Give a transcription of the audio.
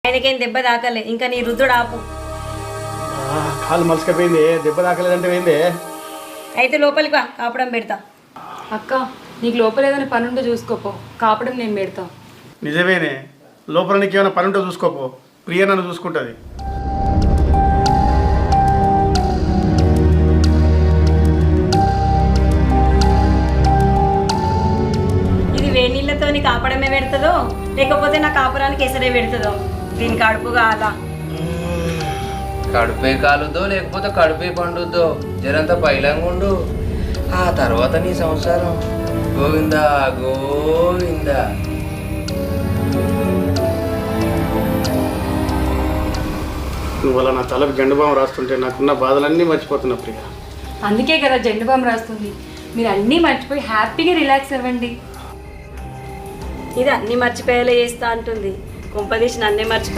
ఆయనకేం దెబ్బ తాకలే, ఇంకా నీ రుద్దుడు ఆపు. కాలు మలసకపోయింది, దెబ్బ తాకలేదంటే పోయింది. అయితే లోపలికి వా, కాపడం పెడతా. అక్క నీకు లోపల ఏదైనా పని ఉంటే చూసుకోపో, కాపడం నేను పెడతా. నిజమేనే, లోపల నీకు ఏమైనా పని ఉంటే చూసుకోపో, ప్రియ నన్ను చూసుకుంటుంది. ఇది వేడి నీళ్ళతో నీ కాపడమే పెడుతుందో లేకపోతే నా కాపురానికి ఎసరే పెడుతుందో, దీని కడుపు కాలా. కడుపే కాలుద్దో లేకపోతే కడుపే పండుద్దో, జరంతా పైలంగా ఉండు. ఆ తర్వాత నీ సంసారం గోవిందా గోవిందా. నువ్వు అలా నా తలకు గండుబాం రాస్తుంటే నాకున్న బాధలన్నీ మర్చిపోతున్నా ప్రియ. అందుకే కదా జెండు బామ్ రాస్తుంది. మీరు అన్నీ మర్చిపోయి హ్యాపీగా రిలాక్స్ అవ్వండి. ఇది అన్ని మర్చిపోయేలా చేస్తా అంటుంది, కుంపదీసి నన్నే మర్చిపోయి